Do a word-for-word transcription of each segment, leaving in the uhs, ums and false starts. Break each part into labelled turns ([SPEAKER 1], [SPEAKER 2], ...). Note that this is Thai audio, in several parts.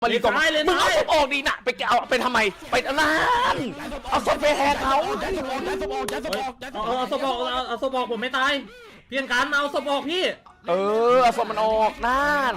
[SPEAKER 1] มาลีตรงมึงเอาศพออกดีนะไปเอาไปทำไมไปนั่นเอาศพไปแหกเขา
[SPEAKER 2] เอาศพออกเอาศพออกผมไม่ตายเพียงการเอาศพออกพี่
[SPEAKER 1] เออเอาศพมันออกนั่น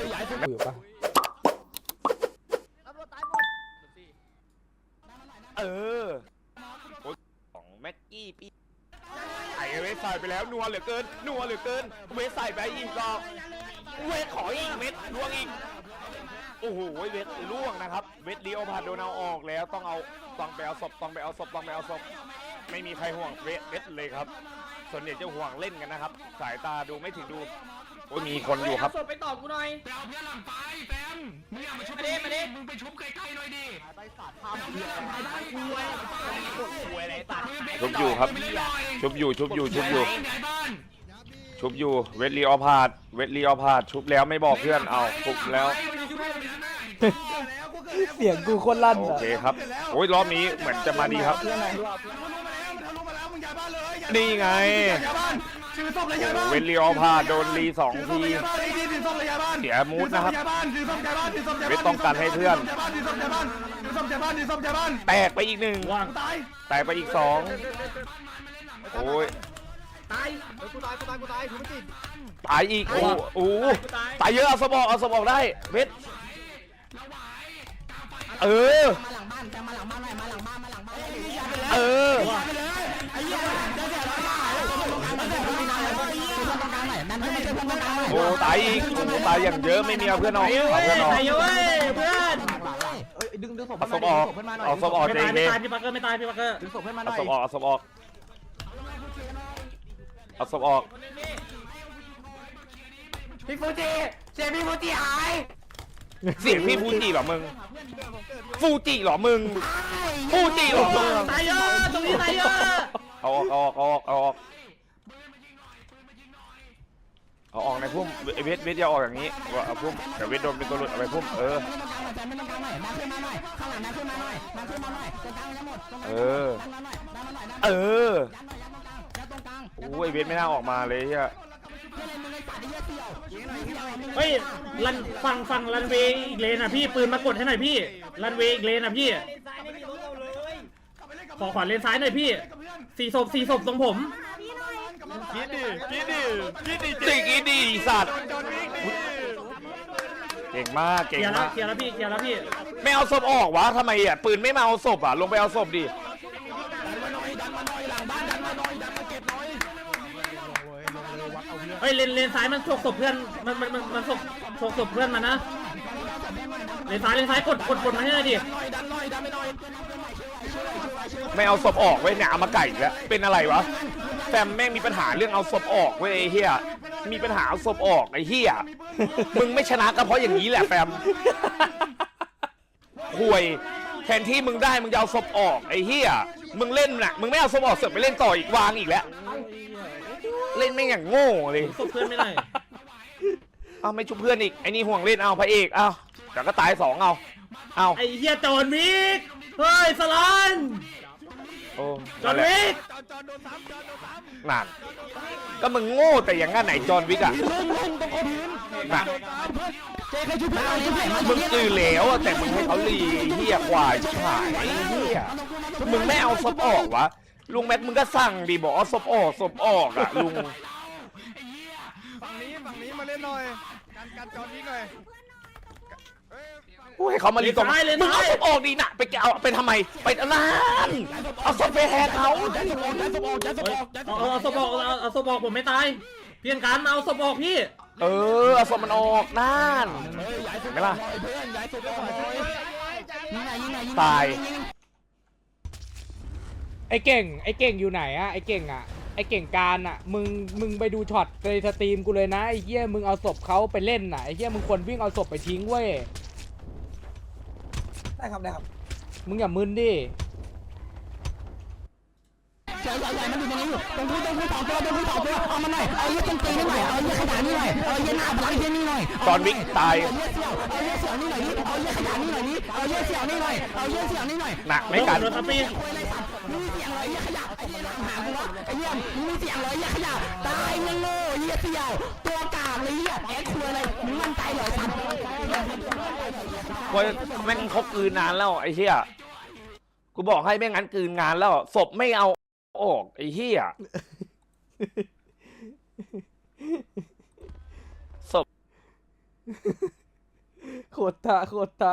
[SPEAKER 1] เออของแม็กกี้ปีไอเวสใส่ไปแล้วนัวเหลือเกินนัวเหลือเกินเวสใส่ไปอีกก็เวสขออีกเม็ดล่วงอีกโอ้โหเวทล่วงนะครับเวทลีโอพาร์โดนเอาออกแล้วต้องเอาต้องไปเอาศพต้องไปเอาศพต้องไปเอาศพไม่มีใครห่วงเวทเวทเลยครับส่วนใหญ่จะห่วงเล่นกันนะครับสายตาดูไม่ถึงดูโอ้มีคนอยู่ครับ
[SPEAKER 2] ไปตอบกูหน่อย
[SPEAKER 3] ไปเอาเพื่อนหลังไปแฟมมึงอยากมาชุบมาดิมาดิมึงไปชุบใกล้ๆหน่อยดิไปสัตว์ทำเหี้ยไปได้คุยคุยอะไรตัด
[SPEAKER 1] ชุบอยู่ครับชุบอยู่ชุบอยู่ชุบอยู่ชุบอยู่เวทลีออพาร์ดเวทลีออพาร์ดชุบแล้วไม่บอกเพื่อนเอาชุบแล้ว
[SPEAKER 4] เสียงกูโคตรลั่น
[SPEAKER 1] โอเคครับโอ้ยรอบนี้เหมือนจะมาดีครับนี่ไงเวทลีออพาร์ดโดนรีสองทีเสียมูดนะครับเวทต้องการให้เพื่อนแตกไปอีกหนึ่งแตกไปอีกสองโอ้ย
[SPEAKER 4] ตายกูตายกูตายกูตายกูไม่ติด
[SPEAKER 1] ตายอีกโอ้โหตายเยอะเอาสมองเอาสมองได้เวทเออ
[SPEAKER 4] มาหลังบ้านจะมาหลังบ้านหน่อยมาหลังบ้านมาหลังบ้าน
[SPEAKER 1] เออโอ้ตายอีกโอ้ตายอย่างเยอะไม่มีเอาเพื่อนออกเอาเพื่อนออก
[SPEAKER 2] ตายเยอะเพื่อน
[SPEAKER 4] ดึงดึงศพ
[SPEAKER 1] เอาศพออกเอาศพออกเจ๊
[SPEAKER 2] ไม่ตายพี่ปักเกอร์ไม่ตายพี่ปักเกอร์
[SPEAKER 4] ดึงศพให้มาหน่อย
[SPEAKER 1] เอาศพออกเอาศพออกเอาศพออก
[SPEAKER 4] พี่ฟูจิเสียงพี่ฟูจิหาย
[SPEAKER 1] เสียงพี่ฟูจิเหรอมึงฟูจิเหรอมึงฟูจิเหรอมึง
[SPEAKER 2] ตายเยอะตรงนี้ตายเยอะ
[SPEAKER 1] เอาออกเอาออกเอาออกเอาออกเอาออกในพุ่มเวทเวทอย่าออกอย่างนี้ว่าเอาพุ่มแต่เวทโดนเป็นตัวหลุดเอาไปพุ่มเออเออเออโอ้ยเวทไม่น่าออกมาเลยเฮีย
[SPEAKER 2] เฮ้ยรันฟังฟังรันเวย์อีกเลนอ่ะพี่ปืนมากดให้หน่อยพี่รันเวย์อีกเลนอ่ะพี่ขอขวานเลนซ้ายหน่อยพี่สี่ศพสี่ศพตรงผม
[SPEAKER 1] กินดิกินดิกินดิจริงกินดิสัตว์เก่งมากเก่งมาก
[SPEAKER 2] เคลียร์แล้วพี่เคลียร์แล้วพี่
[SPEAKER 1] ไม่เอาศพออกวะทำไมอ่ะปืนไม่มาเอาศพอ่ะลงไปเอาศพดิ
[SPEAKER 2] เฮ้ยเลนเลนซ้ายมันฉกศพเพื่อนมันมันมันมันฉกฉกศพเพื่อนมันนะเลนซ้ายเลนซ้ายกดกดกดมาให้หน่อยดิ
[SPEAKER 1] ไม่เอาศพออกเว้ยเนี่ยเอามาไก่แล้วเป็นอะไรวะแฟมแม่งมีปัญหาเรื่องเอาศพออกเว้ยไอ้เหี้ยมีปัญหาเอาศพออกไอ้เหี้ยมึงไม่ชนะก็เพราะอย่างนี้แหละแฟมห่วยแทนที่มึงได้มึงจะเอาศพออกไอ้เหี้ยมึงเล่นน่ะมึงไม่เอาศพออกเสือกไปเล่นต่ออีกวางอีกแล้วเล่นไม่อย่างโง่เลย
[SPEAKER 2] ศพเพื่อนไม่ได้
[SPEAKER 1] เอาไม่ชุบเพื่อนอีกไอ้นี่ห่วงเล่นเอาพระเอกเอาเดี๋ยวก็ตายสองเอาเอา
[SPEAKER 2] ไอ้เหี้ยจอนวิกเฮ้ยสลัน
[SPEAKER 1] โอ้
[SPEAKER 2] จอนวิก
[SPEAKER 1] นั่นก็มึงโง่แต่อย่างงั้นไหนจอนวิกอะนั่นมึงอือเหลวแต่มึงให้เขาลีเหี้ยควายชิบหายเหี้ยมึงไม่เอาศพออกวะลุงแม็กมึงก็สั่งดิบอกเอาศพออกศพออกอะลุง
[SPEAKER 3] ฝั่งนี้ฝั่งนี้มาเล่นหน่อยการการจอนวิกหน่อย
[SPEAKER 1] โอ้ยเขามาลีตรงมึงเอาศพออกดีนะไปเอาไปทำไมไปนั่นเอาศพไปแหกเขา
[SPEAKER 2] เอาศพออกเอาศพออกผมไม่ตายเพียงการเอาศพออกพี่
[SPEAKER 1] เออเอาศพมันออกนั่นเห็นไหมล่ะตาย
[SPEAKER 4] ไอ้เก่งไอ้เก่งอยู่ไหนอะไอ้เก่งอะไอ้เก่งการอะมึงมึงไปดูช็อตในสตรีมกูเลยนะไอ้เหี้ยมึงเอาศพเขาไปเล่นน่ะไอ้เหี้ยมึงควรวิ่งเอาศพไปทิ้งเว้ยได้ครับได้ครับมึงอย่ามึนดิใหญ่ใหญ่ใหญ่มันอยู่ตรงนี้อยู่ตรงนี้ตรงนี้สองตัวตรงนี้สองตัวเอามาหน่อยเอาเยี่ยต้นตีนี่หน่อยเอาเยี่ยขยะนี่หน่อยเอาเยี่ยหน้าพลังเยี่ยนี่หน่อย
[SPEAKER 1] ตอนวิ่งตาย
[SPEAKER 4] เอาเยี่ยเสี่ยวเอาเยี่ยเสี่ยวนี่หน่อยเอาเยี่ยขยะนี่หน่อยนี่เอาเยี่ยเสี่ยวนี่หน่อยเอาเยี่ยเสี่ยวนี่หน่อย
[SPEAKER 1] หนักไม่กัน
[SPEAKER 4] มึ
[SPEAKER 3] มึงมีเสียงอะไรเหี้ยขยะไอ้เหี้ยหากูวะไอ้เหี้ยมึงมีเสียงอะไรเหี้ยขยะตายมึงโง่เหี้ยเสี่ยวตัวกากเลยเหี้ยแอคคุยอะไรมึงมั่นใจเหรอสัตว์
[SPEAKER 1] เพราะแม่งเขากลืนนานแล้วไอ้เหี้ยกูบอกให้แม่งั้นกลืนงานแล้วศพไม่เอาออกไอ้เหี้ยศพ
[SPEAKER 4] โคตรตาโคตรตา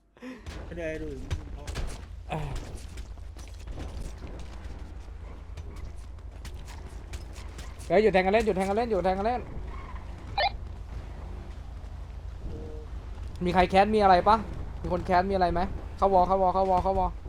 [SPEAKER 4] เฮ้ยหยุดแทงกันเล่นหยุดแทงกันเล่นหยุดแทงกันเล่นมีใครแคสมีอะไรปะมีคนแคสมีอะไรไหมเข้าวอเข้าวอเข้าวอเข้าวอ